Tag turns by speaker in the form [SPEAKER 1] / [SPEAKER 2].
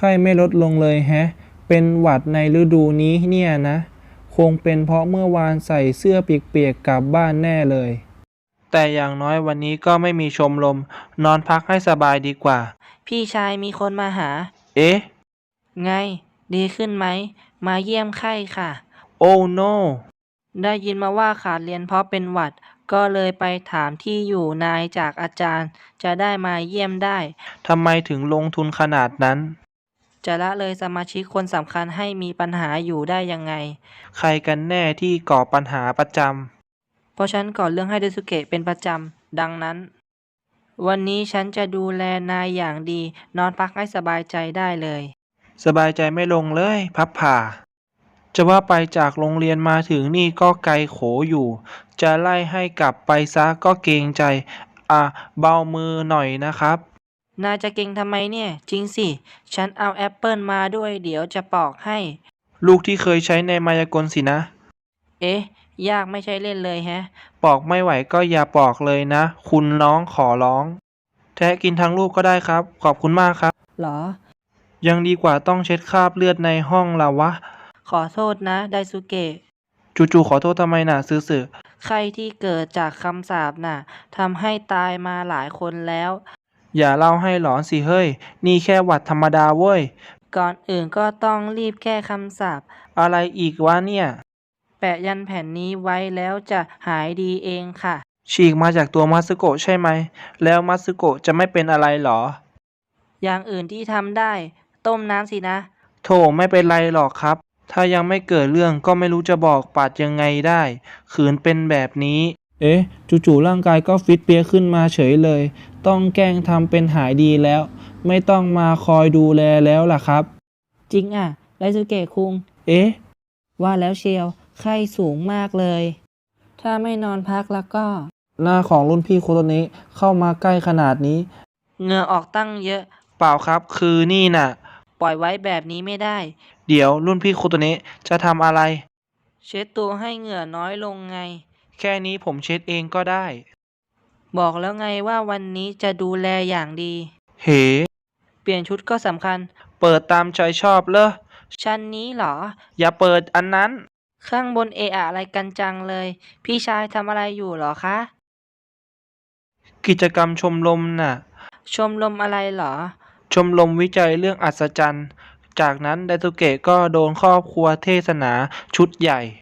[SPEAKER 1] ข้ไม่ลดลงเลยแฮะเป็นหวัดในฤดูนี้เนี่ยนะคงเป็นเพราะเมื่อวานใส่เสื้อเปียกๆกลับบ้านแน่เลยแต่อย่างน้อยวันนี้ก็ไม่มีชมรมนอนพักให้สบายดีกว่า
[SPEAKER 2] พี่ชายมีคนมาหา
[SPEAKER 1] เอ๊ะ
[SPEAKER 2] ไงดีขึ้นไหมมาเยี่ยมไข้ค่ะ
[SPEAKER 1] โอ้โน
[SPEAKER 2] ได้ยินมาว่าขาดเรียนเพราะเป็นหวัดก็เลยไปถามที่อยู่นายจากอาจารย์จะได้มาเยี่ยมได้
[SPEAKER 1] ทำไมถึงลงทุนขนาดนั้น
[SPEAKER 2] จะละเลยสมาชิกคนสำคัญให้มีปัญหาอยู่ได้ยังไง
[SPEAKER 1] ใครกันแน่ที่ก่อปัญหาประจ
[SPEAKER 2] เพราะฉันก่อเรื่องให้เดซุเกะเป็นประจำดังนั้นวันนี้ฉันจะดูแลนายอย่างดีนอนพักให้สบายใจได้เลย
[SPEAKER 1] ำสบายใจไม่ลงเลยพับผ่าจะว่าไปจากโรงเรียนมาถึงนี่ก็ไกลโขอยู่จะไล่ให้กลับไปซะก็เกรงใจเบามือหน่อยนะครับ
[SPEAKER 2] นายจะเก่งทำไมเนี่ยจริงสิฉันเอาแอปเปิลมาด้วยเดี๋ยวจะปอกให้
[SPEAKER 1] ลูกที่เคยใช้ในมายากลสินะ
[SPEAKER 2] เอ๊ะยากไม่ใช่เล่นเลยแฮะ
[SPEAKER 1] ปอกไม่ไหวก็อย่าปอกเลยนะคุณน้องขอร้องแท้กินทั้งลูกก็ได้ครับขอบคุณมากครับ
[SPEAKER 2] หรอ
[SPEAKER 1] ยังดีกว่าต้องเช็ดคราบเลือดในห้องล่ะวะ
[SPEAKER 2] ขอโทษนะไดซุเกะ
[SPEAKER 1] จู่ๆขอโทษทำไมน่ะซื่อ
[SPEAKER 2] ไข้ที่เกิดจากคำสาปน่ะทำให้ตายมาหลายคนแล้ว
[SPEAKER 1] ๆอย่าเล่าให้หลอนสิเฮ้ยนี่แค่หวัดธรรมดาเว้ย
[SPEAKER 2] ก่อนอื่นก็ต้องรีบแก้คำสาป
[SPEAKER 1] อะไรอีกวะเนี่ย
[SPEAKER 2] แปะยันแผ่นนี้ไว้แล้วจะหายดีเองค่ะ
[SPEAKER 1] ฉีกมาจากตัวมัตสึโกะใช่ไหมแล้วมัตสึโกะจะไม่เป็นอะไรหรอ
[SPEAKER 2] อย่างอื่นที่ทำได้ต้มน้ำสินะ
[SPEAKER 1] โธ่ไม่เป็นไรหรอกครับถ้ายังไม่เกิดเรื่องก็ไม่รู้จะบอกปัดยังไงได้ขืนเป็นแบบนี้เอ๊ะจู่ๆร่างกายก็ฟิตเปี้ยขึ้นมาเฉยเลยต้องแกล้งทำเป็นหายดีแล้วไม่ต้องมาคอยดูแลแล้วล่ะครับ
[SPEAKER 2] จริงอ่ะไดซุเกะคุง
[SPEAKER 1] เอ๊ะ
[SPEAKER 2] ว่าแล้วเชียวไข้สูงมากเลยถ้าไม่นอนพักแล้วก็
[SPEAKER 1] หน้าของรุ่นพี่โคโตเนะเข้ามาใกล้ขนาดนี้
[SPEAKER 2] เหงื่อออกตั้งเยอะ
[SPEAKER 1] เปล่าครับคือนี่น่ะ
[SPEAKER 2] ปล่อยไว้แบบนี้ไม่ได้
[SPEAKER 1] เดี๋ยวรุ่นพี่โคโตเนะจะทำอะไร
[SPEAKER 2] เช็ดตัวให้เหงื่อน้อยลงไง
[SPEAKER 1] แค่นี้ผมเช็ดเองก็ได้
[SPEAKER 2] บอกแล้วไงว่าวันนี้จะดูแลอย่างดี
[SPEAKER 1] เฮ้
[SPEAKER 2] เปลี่ยนชุดก็สำคัญ
[SPEAKER 1] เปิดตามใจชอบเลย
[SPEAKER 2] ชั้นนี้เหรอ
[SPEAKER 1] อย่าเปิดอันนั้น
[SPEAKER 2] ข้างบนเอะอะอะไรกันจังเลยพี่ชายทำอะไรอยู่เหรอคะ
[SPEAKER 1] กิจกรรมชมรมน่ะ
[SPEAKER 2] ชมรมอะไรเหรอ
[SPEAKER 1] ชมรมวิจัยเรื่องอัศจรรย์จากนั้นไดซุเกะก็โดนครอบครัวเทศนาชุดใหญ่